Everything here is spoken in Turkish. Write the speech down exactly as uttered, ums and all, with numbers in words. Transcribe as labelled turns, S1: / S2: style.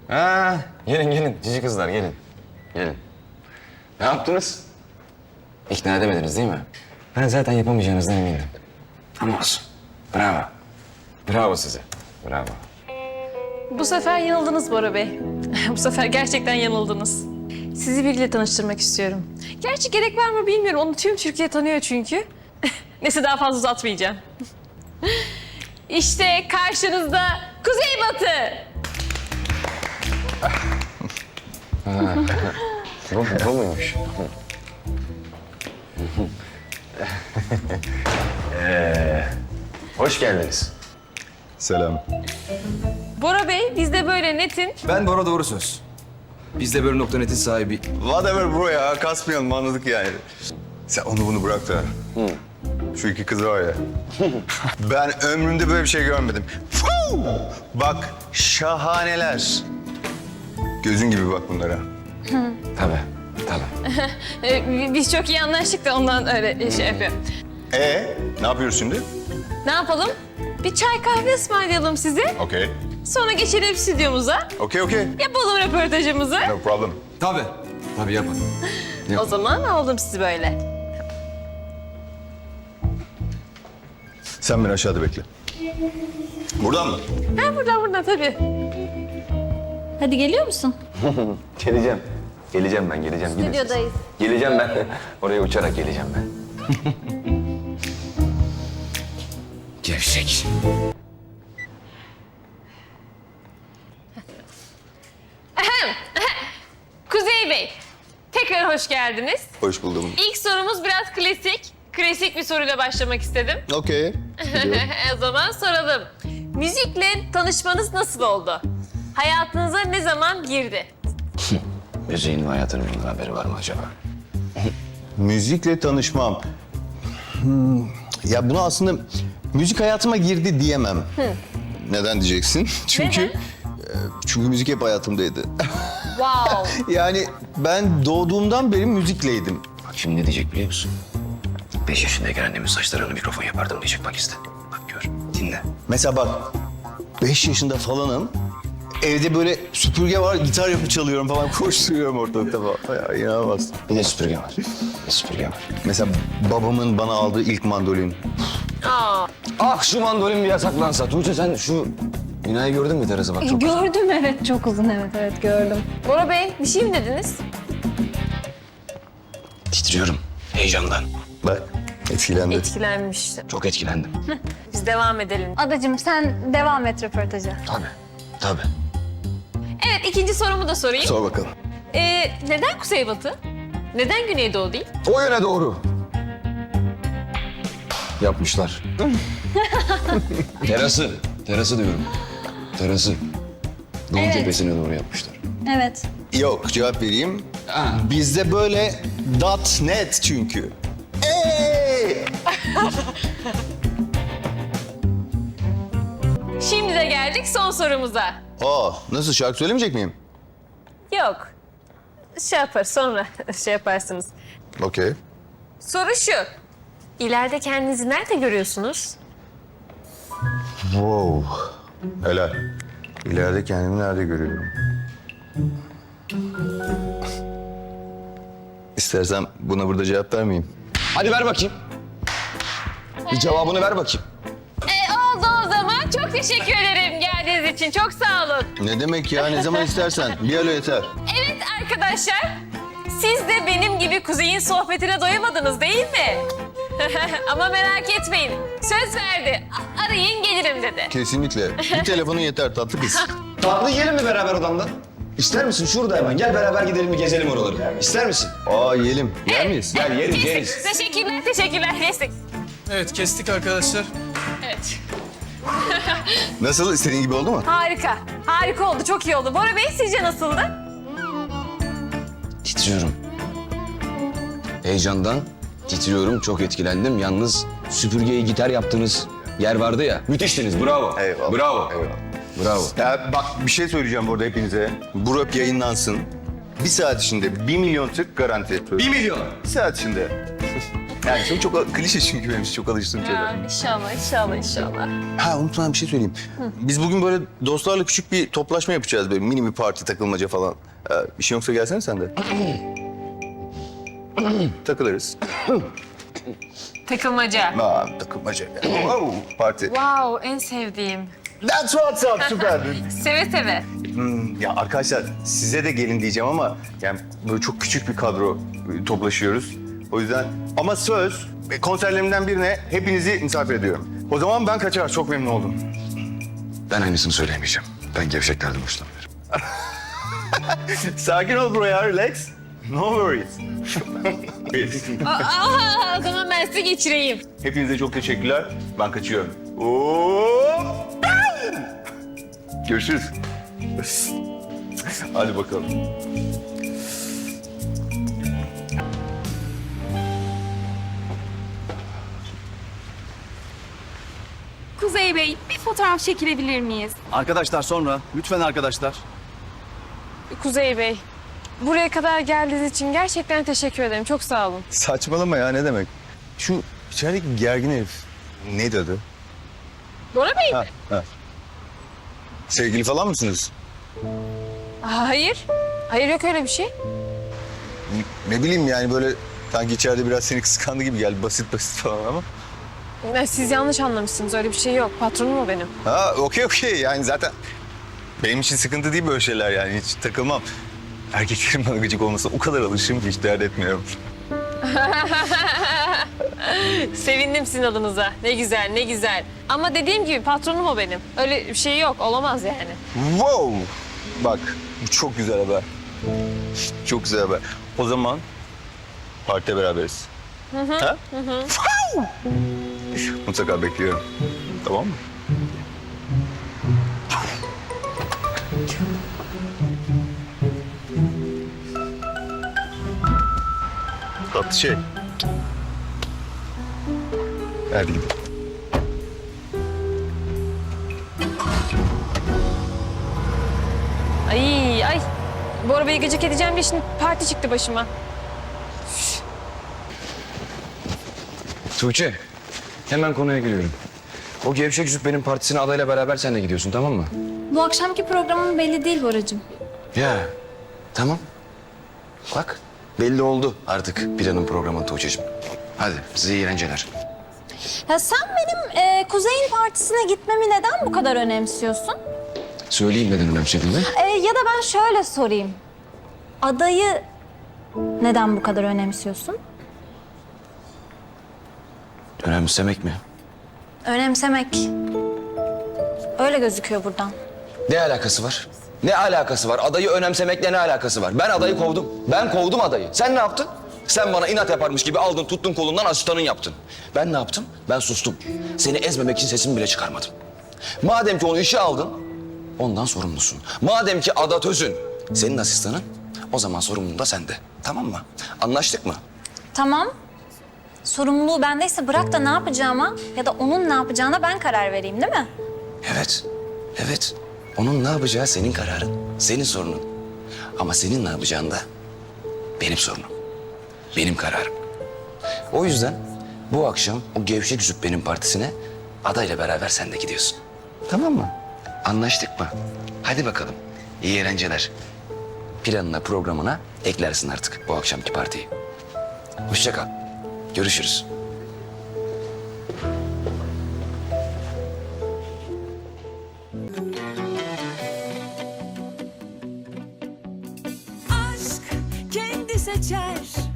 S1: Ha, gelin gelin cici kızlar gelin. Gelin. Ne yaptınız? İkna edemediniz değil mi? Ben zaten yapamayacağınızdan emindim. Ama olsun. Bravo. Bravo size. Bravo.
S2: Bu sefer yanıldınız Bora Bey. Bu sefer gerçekten yanıldınız. Sizi biriyle tanıştırmak istiyorum. Gerçi gerek var mı bilmiyorum. Onu tüm Türkiye tanıyor çünkü. Neyse daha fazla uzatmayacağım. İşte karşınızda Kuzeybatı.
S1: Bu, bu muymuş? ee, hoş geldiniz.
S3: Selam.
S2: Bora Bey biz de böyle netin.
S4: Ben Bora Doğru Söz. Biz de böyle nokta netin sahibi.
S3: Whatever bro ya, kasmayalım anladık yani. Sen onu bunu bırak da. Şu iki kız var ya. Ben ömrümde böyle bir şey görmedim. Fuu! Bak şahaneler. Gözün gibi bak bunlara.
S1: Tabii, tabii.
S2: Ee, biz çok iyi anlaştık da ondan öyle şey yapıyor.
S3: Ee, ne yapıyoruz şimdi?
S2: Ne yapalım? Bir çay kahve ısmarlayalım size.
S3: Okey.
S2: Sonra geçelim stüdyomuza.
S3: Okey, okey.
S2: Yapalım röportajımızı.
S3: No problem.
S4: Tabii. Tabii yapın.
S2: O zaman aldım sizi böyle.
S3: Sen beni aşağıda bekle. Buradan mı?
S2: Ha buradan buradan tabii.
S5: Hadi geliyor musun?
S1: Geleceğim. Geleceğim ben, geleceğim. Gidin siz.
S5: Stüdyodayız.
S1: Geleceğim ben. Oraya uçarak geleceğim ben.
S4: Gevşek.
S2: Kuzey Bey, tekrar hoş geldiniz.
S3: Hoş buldum.
S2: İlk sorumuz biraz klasik. Klasik bir soruyla başlamak istedim.
S3: Okey.
S2: O zaman soralım. Müzikle tanışmanız nasıl oldu? Hayatınıza ne zaman girdi?
S1: Müziğin ve hayatının bundan haberi var mı acaba?
S3: Müzikle tanışmam. Hmm, ya bunu aslında müzik hayatıma girdi diyemem. Neden diyeceksin? Çünkü
S2: Neden?
S3: e, çünkü müzik hep hayatımdaydı.
S2: Wow.
S3: Yani ben doğduğumdan beri müzikleydim.
S1: Bak şimdi ne diyecek biliyor musun? Beş yaşındayken annemin saçlarını mikrofon yapardım diyecek bak işte. Bak gör, dinle.
S3: Mesela bak beş yaşında falanım. Evde böyle süpürge var, gitar yapıp çalıyorum falan, koşturuyorum ortalıkta falan. Ya inanılmaz.
S1: Bir de süpürge var. Bir de süpürge var.
S3: Mesela babamın bana aldığı ilk mandolin.
S2: Aa,
S1: Ah şu mandolin bir yasaklansa. Tuğçe sen şu binayı gördün mü terası bak çok güzel.
S5: Gördüm evet çok uzun evet evet gördüm.
S2: Bora Bey bir şey mi dediniz?
S1: Titriyorum heyecandan.
S3: Bak etkilendi.
S2: Etkilenmiştim.
S1: Çok etkilendim.
S2: Biz devam edelim.
S5: Adacığım sen devam et röportaja.
S1: Tabii, tabii.
S2: Evet ikinci sorumu da sorayım.
S3: Sor bakalım.
S2: Ee, neden Kuzeybatı? Neden Güneydoğu değil?
S1: O yöne doğru. Yapmışlar. terası, terası diyorum. Terası. Doğu
S5: Evet.
S1: cephesine doğru yapmışlar.
S5: Evet.
S3: Yok cevap vereyim.
S1: Ha.
S3: Bizde böyle dot net çünkü. Ey!
S2: Şimdi de geldik son sorumuza.
S3: Aa, nasıl şarkı söylemeyecek miyim?
S2: Yok. Şey yapar sonra şey yaparsınız.
S3: Okey.
S2: Soru şu. İleride kendinizi nerede görüyorsunuz?
S3: Wow. Helal. İleride kendimi nerede görüyorum? İstersen buna burada cevap vermeyeyim.
S1: Hadi ver bakayım. Bir cevabını ver bakayım.
S2: E oldu o zaman. Çok teşekkür ederim geldiğiniz için. Çok sağ olun.
S3: Ne demek ya? Ne zaman istersen. Bir alo yeter.
S2: Evet arkadaşlar. Siz de benim gibi Kuzey'in sohbetine doyamadınız değil mi? Ama merak etmeyin. Söz verdi. A- arayın gelirim dedi.
S3: Kesinlikle. Bir telefonun yeter tatlı kız.
S1: Tatlı yiyelim mi beraber odamda? İster misin? Şurada hemen. Gel beraber gidelim bir gezelim oraları. İster misin?
S3: Aa yiyelim. Yer miyiz?
S1: Gel yeriz
S2: Kestik.
S1: yeriz.
S2: Teşekkürler, teşekkürler. Kestik.
S6: Evet kestik arkadaşlar.
S2: Evet.
S3: Nasıl? İstediğin gibi oldu mu?
S2: Harika. Harika oldu. Çok iyi oldu. Bora Bey sizce nasıldı?
S1: Titriyorum. Heyecandan titriyorum. Çok etkilendim. Yalnız süpürgeyi gitar yaptığınız yer vardı ya. Müthiştiniz. Bravo.
S3: Eyvallah.
S1: Bravo.
S3: Eyvallah.
S1: Bravo.
S3: Ya bak bir şey söyleyeceğim burada hepinize. Bu rap yayınlansın. Bir saat içinde bir milyon tık garanti.
S1: Bir milyon.
S3: Bir saat içinde. Yani çok, çok klişe çünkü benim için çok alıştığım şeyler.
S2: Ya, inşallah, inşallah, inşallah.
S3: Ha unutmadan bir şey söyleyeyim. Biz bugün böyle dostlarla küçük bir toplaşma yapacağız. Böyle mini bir parti, takılmaca falan. Ee, bir şey yoksa gelsene sen de. Takılırız.
S2: Takılmaca.
S3: Aa, takılmaca. Wow, parti.
S2: Wow, en sevdiğim.
S3: That's what's up, süper.
S2: Seve seve.
S3: Hmm, ya arkadaşlar size de gelin diyeceğim ama yani böyle çok küçük bir kadro e, toplaşıyoruz. O yüzden ama söz e, konserlerimden birine hepinizi misafir ediyorum. O zaman ben kaçar. Çok memnun oldum.
S1: Ben aynısını söyleyemeyeceğim. Ben gevşeklerden hoşlanmıyorum.
S3: Sakin ol bro ya, relax. No worries.
S2: Aa, o zaman ben size geçireyim.
S3: Hepinize çok teşekkürler. Ben kaçıyorum. Oo! Görüşürüz. Hadi bakalım.
S7: Kuzey Bey, bir fotoğraf çekilebilir miyiz?
S8: Arkadaşlar sonra. Lütfen arkadaşlar.
S2: Kuzey Bey, buraya kadar geldiğiniz için gerçekten teşekkür ederim. Çok sağ olun.
S3: Saçmalama ya, ne demek? Şu içerideki gergin herif neydi adı?
S2: Bora Bey mi?
S3: Ha, ha. Sevgili falan mısınız?
S2: Hayır. Hayır, yok öyle bir şey.
S3: Ne bileyim yani böyle sanki içeride biraz seni kıskandı gibi geldi. Basit basit falan ama.
S2: Ya, siz yanlış anlamışsınız. Öyle bir şey yok. Patronum o benim.
S3: Ha okey okey yani zaten benim için sıkıntı değil böyle şeyler yani hiç takılmam. Erkeklerin bana gıcık olmasına o kadar alışığım ki hiç dert etmiyorum.
S2: Sevindim sizin adınıza. Ne güzel, ne güzel. Ama dediğim gibi patronum o benim. Öyle bir şey yok. Olamaz yani.
S3: Wow! Bak bu çok güzel haber. Çok güzel haber. O zaman partide beraberiz. Hı hı. Ha? Hı hı. Mutlaka bekliyorum. Tamam mı? Tatlı şey. Hadi gidelim.
S2: Ay ay. Bora Bey'i gıcık edeceğim diye şimdi parti çıktı başıma.
S1: Tuğçe, hemen konuya giriyorum. O gevşek yüzük benim partisine adayla beraber sen de gidiyorsun, tamam mı?
S5: Bu akşamki programın belli değil Boracığım.
S1: Ya, tamam. Bak, belli oldu artık planın programın Tuğçe'cim. Hadi, size iyi eğlenceler.
S5: Ya sen benim e, Kuzey'in partisine gitmemi neden bu kadar önemsiyorsun?
S1: Söyleyeyim neden önemsediğimi.
S5: E, ya da ben şöyle sorayım. Adayı neden bu kadar önemsiyorsun?
S1: Önemsemek mi?
S5: Önemsemek. Öyle gözüküyor buradan.
S1: Ne alakası var? Ne alakası var? Adayı önemsemekle ne alakası var? Ben adayı kovdum. Ben kovdum adayı. Sen ne yaptın? Sen bana inat yaparmış gibi aldın, tuttun kolundan asistanın yaptın. Ben ne yaptım? Ben sustum. Seni ezmemek için sesimi bile çıkarmadım. Madem ki onu işe aldın, ondan sorumlusun. Madem ki Ada Tözün senin asistanın, o zaman sorumluluğu da sende. Tamam mı? Anlaştık mı?
S5: Tamam. Sorumluluğu bendeyse bırak da ne yapacağıma ya da onun ne yapacağına ben karar vereyim değil mi?
S1: Evet, evet. Onun ne yapacağı senin kararın, senin sorunun. Ama senin ne yapacağın da benim sorunum, benim kararım. O yüzden bu akşam o gevşek yüzük benim partisine adayla beraber sen de gidiyorsun. Tamam mı? Anlaştık mı? Hadi bakalım. İyi eğlenceler. Planına, programına eklersin artık bu akşamki partiyi. Hoşça kal. Görüşürüz.
S9: Aşk kendi seçer